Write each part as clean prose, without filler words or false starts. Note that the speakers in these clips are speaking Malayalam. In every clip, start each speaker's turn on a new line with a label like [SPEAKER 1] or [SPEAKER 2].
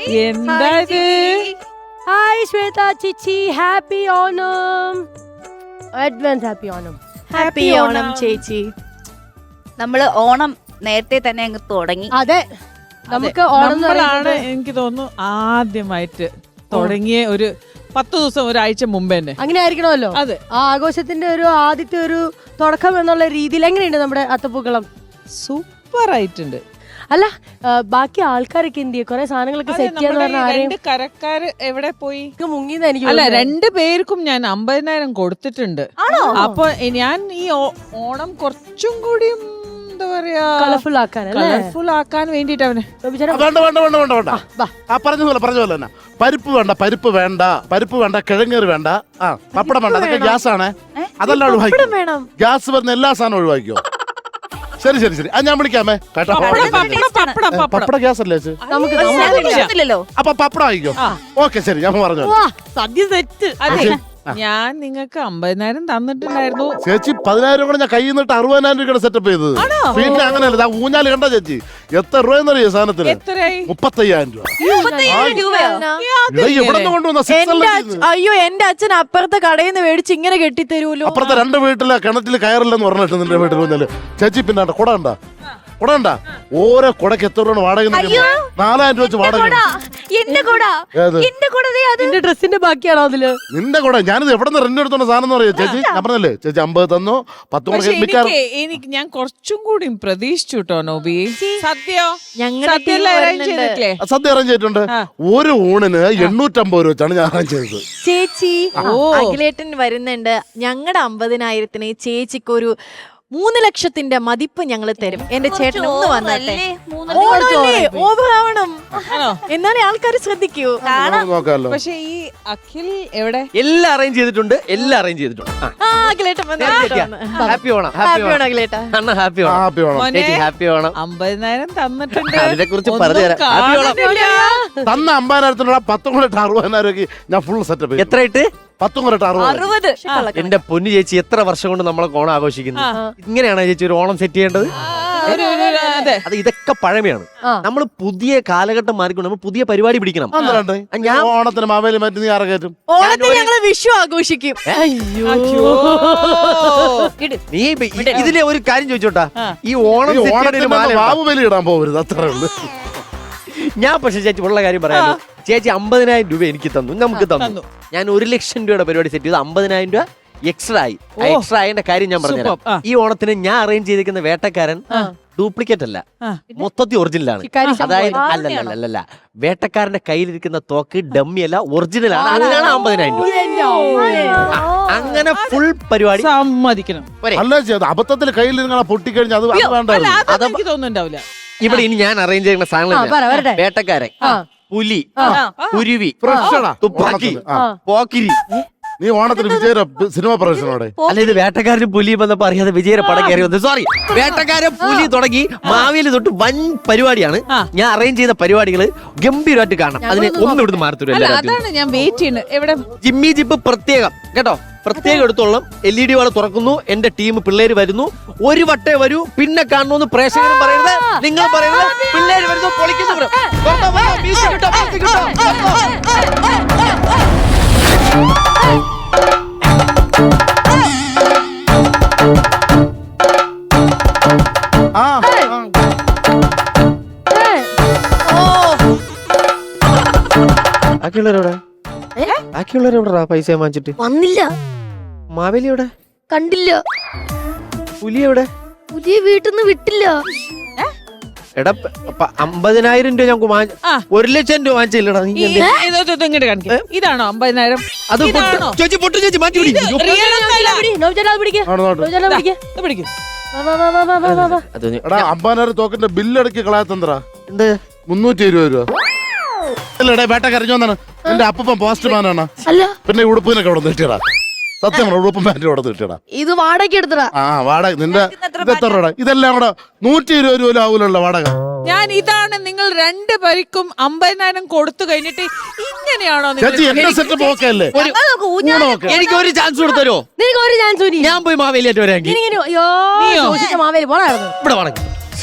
[SPEAKER 1] എന്താ ഇത്?
[SPEAKER 2] ഹായ് ശ്വേത ചേച്ചി, happy Onam. Advance happy Onam.
[SPEAKER 3] Happy Onam ചേച്ചി.
[SPEAKER 4] നമ്മള് ഓണം നേരത്തെ തന്നെ അങ്ങ് തുടങ്ങി.
[SPEAKER 2] അതെ, നമുക്ക് ഓണം
[SPEAKER 1] നമ്മളാണ് എനിക്ക് തോന്നുന്നു ആദ്യമായിട്ട് തുടങ്ങിയ ഒരു 10 ദിവസം ഒരാഴ്ച മുമ്പ് തന്നെ.
[SPEAKER 2] അങ്ങനെ ആയിരിക്കണമല്ലോ.
[SPEAKER 1] അതെ,
[SPEAKER 2] ആ ആഘോഷത്തിന്റെ ഒരു ആദ്യത്തെ ഒരു തുടക്കം എന്നുള്ള രീതിയിൽ എങ്ങനെയുണ്ട് നമ്മുടെ അത്തപ്പൂക്കളം?
[SPEAKER 1] സൂപ്പർ ആയിട്ടുണ്ട്.
[SPEAKER 2] അല്ല, ബാക്കി ആൾക്കാരൊക്കെ എന്ത് ചെയ്യും? കുറെ സാധനങ്ങളൊക്കെ സെറ്റ് ചെയ്യാന്ന് പറഞ്ഞാൽ ആരെയും
[SPEAKER 1] കരക്കാര് എവിടെ പോയി?
[SPEAKER 2] മുങ്ങിന്ന് എനിക്ക്
[SPEAKER 1] അല്ല, 2 പേർക്കും ഞാൻ 50,000 കൊടുത്തിട്ടുണ്ട്. അപ്പൊ ഞാൻ ഈ ഓണം കുറച്ചും കൂടി എന്താ പറയാ
[SPEAKER 2] കളർഫുൾ ആക്കാൻ
[SPEAKER 1] കളർഫുൾ ആക്കാൻ വേണ്ടിട്ട് അവന്
[SPEAKER 5] പറഞ്ഞ പോലെ തന്നെ പരിപ്പ് വേണ്ട, പരിപ്പ് വേണ്ട, കിഴങ്ങേറ് വേണ്ട, പപ്പടം വേണ്ട. അതൊക്കെ ഗ്യാസ് ആണ്. അതെല്ലാം ഒഴിവാക്കി. ഗ്യാസ് വരുന്ന എല്ലാ സാധനവും ഒഴിവാക്കിയോ? ശരി ശരി ശരി, ഞാൻ വിളിക്കാമേ കേട്ടോ. പപ്പട ഗ്യാസ് അല്ലേ
[SPEAKER 4] നമുക്കില്ലല്ലോ.
[SPEAKER 5] അപ്പൊ പപ്പടം ആയിക്കോ. ഓക്കെ ശരി, ഞാൻ പറഞ്ഞു.
[SPEAKER 2] സദ്യ സെറ്റ്.
[SPEAKER 1] ഞാൻ നിങ്ങൾക്ക് 50,000 തന്നിട്ടുണ്ടായിരുന്നു
[SPEAKER 5] ചേച്ചി. 10,000 കൂടെ ഞാൻ കയ്യിൽ നിന്നിട്ട് 60,000 രൂപയുടെ സെറ്റപ്പ് ചെയ്തത്. പിന്നെ അങ്ങനെയല്ല, ഊഞ്ഞാല് കണ്ട ചേച്ചി എത്ര രൂപയെന്നറിയോ സാധനത്തിന്? 35,000 രൂപ. എവിടെ നിന്ന് കൊണ്ടുവന്ന?
[SPEAKER 3] അയ്യോ, എന്റെ അച്ഛൻ അപ്പുറത്തെ കടയിൽ നിന്ന് മേടിച്ച് ഇങ്ങനെ കെട്ടിത്തരൂലോ.
[SPEAKER 5] അപ്പുറത്തെ 2 വീട്ടിലെ കിണറ്റിൽ കയറില്ലെന്ന് പറഞ്ഞിട്ട് നിന്റെ വീട്ടിൽ വന്നാല് ചേച്ചി. പിന്നെ കുട ഉണ്ടാ? ഓരോ കുടക്ക് എത്ര രൂപ വാടക? 4,000 രൂപ വെച്ച് വാടക.
[SPEAKER 2] എന്റെ ഡ്രസ്സിന്റെ ബാക്കിയാണോ അതില്?
[SPEAKER 5] നിന്റെ കൂടെ ഞാനിത് എവിടെ നിന്ന് റെന്റ് എടുത്തോണ്ട സാധനം എന്ന് പറയാ ചേച്ചി. ഞാൻ പറഞ്ഞല്ലേ ചേച്ചി 50 തന്നോ 10
[SPEAKER 1] എനിക്ക് ഞാൻ കുറച്ചും കൂടി പ്രതീക്ഷിച്ചു കേട്ടോ നോബി. സദ്യ
[SPEAKER 5] സദ്യ അറേഞ്ച് ചെയ്തിട്ടുണ്ട്. ഒരു ഊണിന് 850 രൂപ വെച്ചാണ് ഞാൻ അറേഞ്ച് ചെയ്തത്.
[SPEAKER 3] ചേച്ചി, അഖിലേട്ടൻ വരുന്നുണ്ട്. ഞങ്ങളുടെ 50,000-ന് ചേച്ചിക്ക് ഒരു 3 ലക്ഷത്തിന്റെ മതിപ്പ് ഞങ്ങൾ തരും. എന്റെ ചേട്ടൻ ഒന്ന് വന്നല്ലേ, ഓവറാവണം, എന്നാലേ ആൾക്കാർ ശ്രദ്ധിക്കൂ.
[SPEAKER 5] നോക്കാമല്ലോ.
[SPEAKER 1] പക്ഷെ ഈ അഖിൽ എവിടെ?
[SPEAKER 6] എല്ലാം അറേഞ്ച് ചെയ്തിട്ടുണ്ട്.
[SPEAKER 3] അഖിലേട്ടൻ
[SPEAKER 6] ഹാപ്പി ഓണം.
[SPEAKER 3] അഖിലേട്ടാ.
[SPEAKER 6] അണ്ണ ഹാപ്പി ഓണം. ഹാപ്പി ഓണം.
[SPEAKER 1] 50,000 തന്നിട്ടുണ്ട്.
[SPEAKER 6] അതിനെ കുറിച്ച് പറഞ്ഞുതരാം.
[SPEAKER 5] തന്ന 50,000 10 കൂടെ 60,000 രൂപയ്ക്ക് ഞാൻ ഫുൾ സെറ്റപ്പ്.
[SPEAKER 6] എത്ര ഇട്ട്?
[SPEAKER 5] 10 കൂടെ 60.
[SPEAKER 6] എന്റെ പൊന്നു ചേച്ചി, എത്ര വർഷം കൊണ്ട് നമ്മളെ ഓണം ആഘോഷിക്കുന്നു. ഇങ്ങനെയാണോ ചേച്ചി ഒരു ഓണം സെറ്റ് ചെയ്യേണ്ടത്? അത് ഇതൊക്കെ പഴമയാണ്. നമ്മൾ പുതിയ കാലഘട്ടം മാറിക്കൊണ്ട് നമ്മൾ പുതിയ പരിപാടി പിടിക്കണം.
[SPEAKER 5] ഞാൻ ഓണത്തിന് മാവേലി മാറ്റി നീ ആറകയറ്റും.
[SPEAKER 3] ഓണത്തിന് ഞങ്ങള് വിഷു ആഘോഷിക്കും.
[SPEAKER 6] നീ ഇതിലെ ഒരു കാര്യം ചോദിച്ചോട്ടാ, ഈ ഓണത്തിന്
[SPEAKER 5] വാവ് ബലി ഇടാൻ പോകരുത്, അത്രേ ഉള്ളൂ.
[SPEAKER 6] ഞാൻ പക്ഷെ ചേച്ചി ഉള്ള കാര്യം പറയാമല്ലോ. ചേച്ചി 50,000 രൂപ എനിക്ക് തന്നു, നമുക്ക് തന്നു. ഞാൻ 1 ലക്ഷം രൂപയുടെ പരിപാടി സെറ്റ് ചെയ്ത് 50,000 രൂപ എക്സ്ട്രാ ആയി. എക്സ്ട്രാ ആയതിന്റെ കാര്യം ഞാൻ പറഞ്ഞുതരാം. ഈ ഓണത്തിന് ഞാൻ അറേഞ്ച് ചെയ്തിരിക്കുന്ന വേട്ടക്കാരൻ ഡ്യൂപ്ലിക്കേറ്റ് അല്ല, മൊത്തത്തിൽ ഒറിജിനലാണ്. അതായത് അല്ലല്ല, വേട്ടക്കാരന്റെ കയ്യിലിരിക്കുന്ന തോക്ക് ഡമ്മി അല്ല, ഒറിജിനൽ ആണ്. അങ്ങനെയാണ് 50,000 രൂപ. അങ്ങനെ ഫുൾ പരിപാടി
[SPEAKER 1] സമ്മതിക്കണം.
[SPEAKER 5] അല്ല, അബദ്ധത്തിൽ കയ്യിൽ പൊട്ടിക്കഴിഞ്ഞാൽ അത് വേണ്ട.
[SPEAKER 1] എനിക്ക് തോന്നുന്നുണ്ടാവില്ല.
[SPEAKER 6] ഇവിടെ ഇനി ഞാൻ അറേഞ്ച് ചെയ്യുന്ന സാധനങ്ങൾ വേട്ടക്കാരൻ, പുലി, കുരുവി, തുപ്പാക്കി, പോക്കിരി.
[SPEAKER 5] നീ ഓണത്തിന് വിജയര സിനിമ പ്രവേശനോടെ?
[SPEAKER 6] അല്ല, ഇത് വേട്ടക്കാരന് പുലി വന്നപ്പോ അറിയാതെ വിജയര പടം കയറി വന്നത്. സോറി, വേട്ടക്കാരൻ പുലി തുടങ്ങി മാവേലി തൊട്ട് വൻ പരിപാടിയാണ്. ഞാൻ അറേഞ്ച് ചെയ്ത പരിപാടികൾ ഗംഭീരമായിട്ട് കാണാം. അതിനെ ഒന്നും ഇവിടുന്ന് മാറത്തില്ല.
[SPEAKER 1] അതാണ് ഞാൻ വെയിറ്റ് ചെയ്യുന്നത്. എവിടെ
[SPEAKER 6] ജിമ്മി ജിപ്പ് പ്രത്യേകം കേട്ടോ, പ്രത്യേകം എടുത്തോളം. LED വാള് തുറക്കുന്നു, എന്റെ ടീം പിള്ളേര് വരുന്നു. ഒരു വട്ടേ വരൂ, പിന്നെ കാണുന്നു. പ്രേക്ഷകരും പറയരുത്, നിങ്ങൾ പറയരുത്. പിള്ളേര് വരുന്നു, പൊളിക്കുന്നു. ബാക്കിയുള്ളവരെവിടാ പൈസ വാങ്ങിച്ചിട്ട്
[SPEAKER 3] വന്നില്ല.
[SPEAKER 6] മാവേലി എവിടെ?
[SPEAKER 3] കണ്ടില്ല.
[SPEAKER 6] പുലി എവിടെ?
[SPEAKER 3] പുതിയ വീട്ടിൽ നിന്ന് വിട്ടില്ല.
[SPEAKER 6] എടാ, 50,000 രൂപ ഞങ്ങൾക്ക് 1 ലക്ഷം രൂപ വാങ്ങിച്ചില്ലടാ.
[SPEAKER 1] ഇങ്ങോട്ട് കാണിക്കാം. ഇതാണോ 50,000?
[SPEAKER 6] അത് ചേച്ചി പൊട്ടു, ചേച്ചി മാറ്റി പിടി.
[SPEAKER 5] എടാ, 50,000 തോക്കിന്റെ ബില്ലടക്കി കളയാത്തന്ത്രാ. എന്ത് 320 രൂപ? അല്ലടേ, വേട്ടക്കരഞ്ഞോന്നാണ്. എന്റെ അപ്പൂപ്പൻ പോസ്റ്റ്മാനാണ്. പിന്നെ ഉടുപ്പിനൊക്കെ അവിടെ നീട്ടിയടാ. സത്യം, ഉടുപ്പും പാൻറ്റും അവിടെ നീട്ടിയടാ.
[SPEAKER 3] ഇത് വാടക എടുത്തടാ.
[SPEAKER 5] വാടക നിന്റെ എത്ര രൂപ? ഇതെല്ലാം കൂടെ 120 രൂപ ആവൂലുള്ള വാടക.
[SPEAKER 1] ഞാൻ ഇതാണ് നിങ്ങൾ 2 പേർക്കും 50,000 കൊടുത്തു കഴിഞ്ഞിട്ട് ഇങ്ങനെയാണോ?
[SPEAKER 5] എന്റെ സെറ്റപ്പ് ഓക്കെ അല്ലേ?
[SPEAKER 6] എനിക്ക് ഒരു ചാൻസ് കൊടുത്തരോ?
[SPEAKER 2] ഒരു ചാൻസ്.
[SPEAKER 6] ഞാൻ പോയി മാവേലിയായിട്ട് വരാമെങ്കിൽ
[SPEAKER 2] മാവേലി പോണായിരുന്നു.
[SPEAKER 6] ഇവിടെ വേണമെങ്കിൽ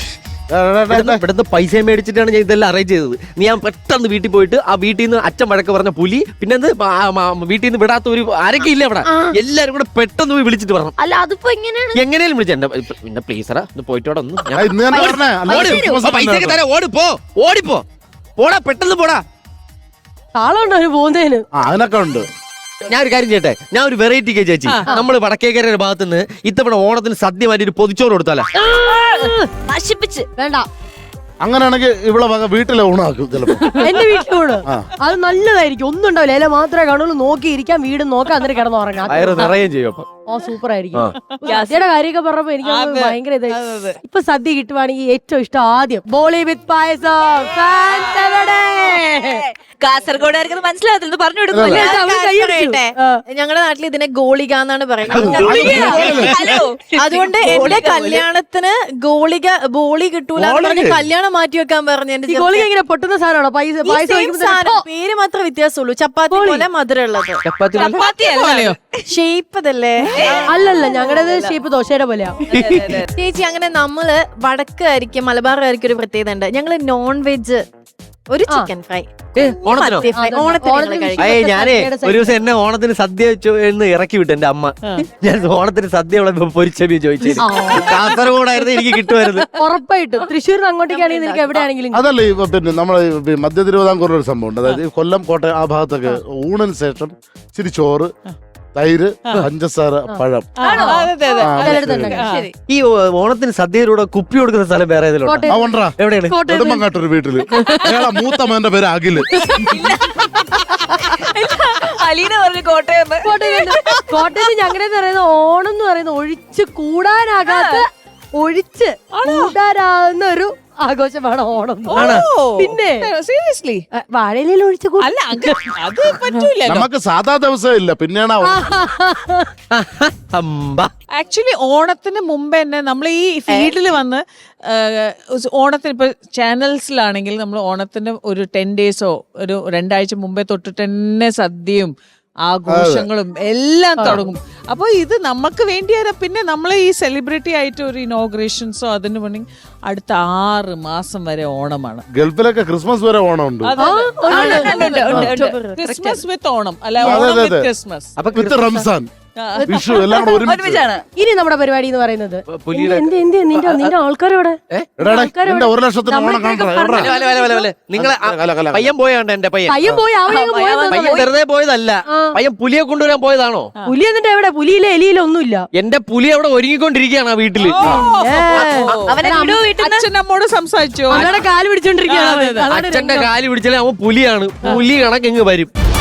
[SPEAKER 6] ഇവിടുന്ന് പൈസ മേടിച്ചിട്ടാണ് ഞാൻ ഇതെല്ലാം അറേഞ്ച് ചെയ്തത്. ഞാൻ പെട്ടെന്ന് വീട്ടിൽ പോയിട്ട് ആ വീട്ടിൽ നിന്ന് അച്ഛൻ വഴക്ക് പറഞ്ഞ പുലി, പിന്നെ വീട്ടിൽ നിന്ന് വിടാത്ത ഒരു ആരൊക്കെ ഇല്ല അവിടെ, എല്ലാരും കൂടെ പെട്ടെന്ന് പോയി വിളിച്ചിട്ട് പറഞ്ഞു.
[SPEAKER 4] അല്ല അതിപ്പോ എങ്ങനെയാണ്
[SPEAKER 6] എങ്ങനെയും വിളിച്ചു പിന്നെ പ്ലീസറാ ഒന്ന് പോയിട്ടോടെ ഒന്ന്
[SPEAKER 5] ആ, ഇന്ന് തന്നെ പറഞ്ഞേ, അല്ലാതെ ക്രിസ്മസ്
[SPEAKER 6] പൈസ
[SPEAKER 5] അല്ലേ
[SPEAKER 6] തരാം, ഓടിപ്പോ പോടാ, പെട്ടെന്ന് പോടാ.
[SPEAKER 2] താളുണ്ടോ അവന് പോകുന്നതിന്?
[SPEAKER 5] ആ, അതിനൊക്കെ ഉണ്ട്.
[SPEAKER 6] ഞാൻ ഒരു കാര്യം ചെയ്യട്ടെ, ഞാൻ ഒരു വെറൈറ്റി കേ ചേച്ചി, നമ്മള് വടക്കേക്കരയുടെ ഭാഗത്തുനിന്ന് ഇത്തവണ ഓണത്തിന് സദ്യ മാറ്റി ഒരു പൊതിച്ചോറ് കൊടുത്താലോ?
[SPEAKER 4] നശിപ്പിച്ച്
[SPEAKER 2] വേണ്ട,
[SPEAKER 5] അങ്ങനെയാണെങ്കിൽ ഇവിടെ വക വീട്ടിലെ ഊണാക്കും ചിലപ്പോ.
[SPEAKER 2] എന്റെ വീട്ടിലൂടെ
[SPEAKER 5] ആ.
[SPEAKER 2] അത് നല്ലതായിരിക്കും. ഒന്നും ഉണ്ടാവില്ല, ഇല മാത്രമേ കാണുള്ളൂ. നോക്കിയിരിക്കാം, വീട് നോക്കാം, എന്നിട്ട് കിടന്നു ഉറങ്ങാം.
[SPEAKER 6] വയറ് നിറയുകയും ചെയ്യും അപ്പൊ.
[SPEAKER 2] ഓ സൂപ്പർ ആയിരിക്കും. സദ്യയുടെ കാര്യമൊക്കെ പറഞ്ഞപ്പോ എനിക്ക്
[SPEAKER 1] അതെ.
[SPEAKER 2] ഭയങ്കര ഇതായി. ഇപ്പൊ സദ്യ കിട്ടുവാണെങ്കിൽ ഏറ്റവും ഇഷ്ടം ആദ്യം ബോളി വിത്ത് പായസം. Fans എവിടെ?
[SPEAKER 4] കാസർഗോഡുകാർക്ക് മനസ്സിലാകത്തില്ല, പറഞ്ഞു കൊടുക്കുമല്ലോ.
[SPEAKER 2] ഇല്ല, അവര് കൈയടിച്ചു.
[SPEAKER 3] ഞങ്ങളുടെ നാട്ടിൽ ഇതിനെ ഗോളിക എന്നാണ് പറയുന്നത്.
[SPEAKER 4] ഹലോ
[SPEAKER 3] അതുകൊണ്ട് എന്റെ കല്യാണത്തിന് ബോളി കിട്ടൂല എന്ന് പറഞ്ഞ് കല്യാണം മാറ്റി വെക്കാൻ പറഞ്ഞു. എന്റെ
[SPEAKER 2] ഈ ഗോളി ഇങ്ങനെ പൊട്ടുന്ന സാധനമാണോ? പായസം
[SPEAKER 3] സാധനം പേര് മാത്രമേ വ്യത്യാസമുള്ളൂ. ചപ്പാത്തി പോലെ മധുരമുള്ളത്.
[SPEAKER 6] ചപ്പാത്തി
[SPEAKER 1] പോലെയോ?
[SPEAKER 3] ഷേപ്പ് അതല്ലേ?
[SPEAKER 2] അല്ലല്ല, ഞങ്ങളുടേത് ഷേപ്പ് ദോശയുടെ പോലെയാ.
[SPEAKER 3] ചേച്ചി അങ്ങനെ നമ്മള് വടക്കായിരിക്കും മലബാറായിരിക്കും ഒരു പ്രത്യേകത ഉണ്ട്. ഞങ്ങള് നോൺ വെജ് ഒരു ചിക്കൻ ഫ്രൈ
[SPEAKER 6] ഓണത്തിനോ?
[SPEAKER 3] ഓണത്തിന്
[SPEAKER 6] അയ്യേ ഞാനേ ഒരു ദിവസം എന്നെ ഓണത്തിന് സദ്യ എന്ന് ഇറക്കി വിട്ടു എന്റെ അമ്മ. ഞാൻ ഓണത്തിന് സദ്യ പൊരിച്ചമീൻ ചോദിച്ചു. കാസർഗോഡായിരുന്നു എനിക്ക് കിട്ടുമായിരുന്നു.
[SPEAKER 2] ഉറപ്പായിട്ടും തൃശ്ശൂരിന് അങ്ങോട്ടേക്കാണെങ്കിൽ നിനക്ക് എവിടെയാണെങ്കിലും
[SPEAKER 5] അതല്ലേ പിന്നെ നമ്മളെ മധ്യ തിരുവിതാംകൂറിൽ ഒരു സംഭവം ഉണ്ട്. അതായത് കൊല്ലം, കോട്ടയം ആ ഭാഗത്തൊക്കെ ഊണിന് ശേഷം ഇച്ചിരി ചോറ്, തൈര്, പഞ്ചസാര, പഴം.
[SPEAKER 2] ശരി.
[SPEAKER 6] ഈ ഓണത്തിന് സദ്യയിലൂടെ കുപ്പി കൊടുക്കുന്ന സ്ഥലം വേറെ ഏതെങ്കിലും ഉണ്ടോ?
[SPEAKER 5] ആ ഉണ്ടോ?
[SPEAKER 6] എവിടെയാണ്?
[SPEAKER 5] നെടുമങ്ങാട്ടൊരു വീട്ടില് അയാളെ മൂത്ത മകന്റെ പേര് അഖില്.
[SPEAKER 4] അലീന പറഞ്ഞു കോട്ടയം
[SPEAKER 2] കോട്ടയത്ത് ഞങ്ങളുടെ പറയുന്ന ഓണം എന്ന് പറയുന്ന ഒഴിച്ച് കൂടാനാകാത്ത, ഒഴിച്ച് കൂടാനാകുന്ന ഒരു ആഘോഷമാണ് ഓണം. പിന്നെ
[SPEAKER 1] സീരിയസ്ലി
[SPEAKER 2] വാഴയിലയിൽ ഒഴിച്ച്
[SPEAKER 1] അല്ല അത് പറ്റൂല.
[SPEAKER 5] നമുക്ക് സാധാ ദിവസം ഇല്ല, പിന്നെയാണ്
[SPEAKER 1] ആക്ച്വലി ഓണത്തിന് മുമ്പ് തന്നെ നമ്മൾ ഈ ഫീൽഡിൽ വന്ന് ഓണത്തിന് ഇപ്പൊ ചാനൽസിലാണെങ്കിൽ നമ്മൾ ഓണത്തിന് ഒരു 10 ഡേയ്സോ ഒരു 2 ആഴ്ച മുമ്പേ തൊട്ടിട്ട് തന്നെ സദ്യയും ആഘോഷങ്ങളും എല്ലാം തുടങ്ങും. അപ്പൊ ഇത് നമുക്ക് വേണ്ടിയാ. പിന്നെ നമ്മൾ ഈ സെലിബ്രിറ്റി ആയിട്ട് ഒരു ഇനോഗ്രേഷൻസോ അതിന് വേണമെങ്കിൽ അടുത്ത 6 മാസം വരെ ഓണമാണ്.
[SPEAKER 5] ഗൾഫിലൊക്കെ ക്രിസ്മസ് വരെ ഓണം ഉണ്ട്.
[SPEAKER 1] ക്രിസ്മസ് വിത്ത് ഓണം, അല്ല Onam with Christmas,
[SPEAKER 5] with Ramzan, Vishu എല്ലാം കൂടെ ഒരുമിച്ചാണ്.
[SPEAKER 2] ഇനി നമ്മുടെ പരിപാടി എന്ന് പറയുന്നത്
[SPEAKER 6] പുലിയുടെ
[SPEAKER 2] നിന്റെ ആൾക്കാരോടെ
[SPEAKER 5] എന്റെ 1 ലക്ഷത്തിന് ഓണം കാണാൻ
[SPEAKER 6] നിങ്ങളെ പയ്യൻ പോയാണ്ട് എന്റെ പയ്യൻ
[SPEAKER 2] പയ്യൻ പോയി
[SPEAKER 6] പയ്യൻ വെറുതെ പോയതല്ല. പയ്യൻ പുലിയെ കൊണ്ടുവരാൻ പോയതാണോ?
[SPEAKER 2] പുലി എന്നിട്ട് എവിടെ? പുലിയിലെ എലിയിലെ ഒന്നുമില്ല.
[SPEAKER 6] എന്റെ പുലി അവിടെ ഒരുങ്ങിക്കൊണ്ടിരിക്കുകയാണ് ആ വീട്ടില്.
[SPEAKER 1] അച്ഛൻ നമ്മോട് സംസാരിച്ചോ?
[SPEAKER 2] അവരുടെ കാല് പിടിച്ചോണ്ടിരിക്കുകയാണ്.
[SPEAKER 6] അച്ഛന്റെ കാല് പിടിച്ചാലേ അവൻ പുലിയാണ്. പുലി കണക്കെങ്ങ് വരും.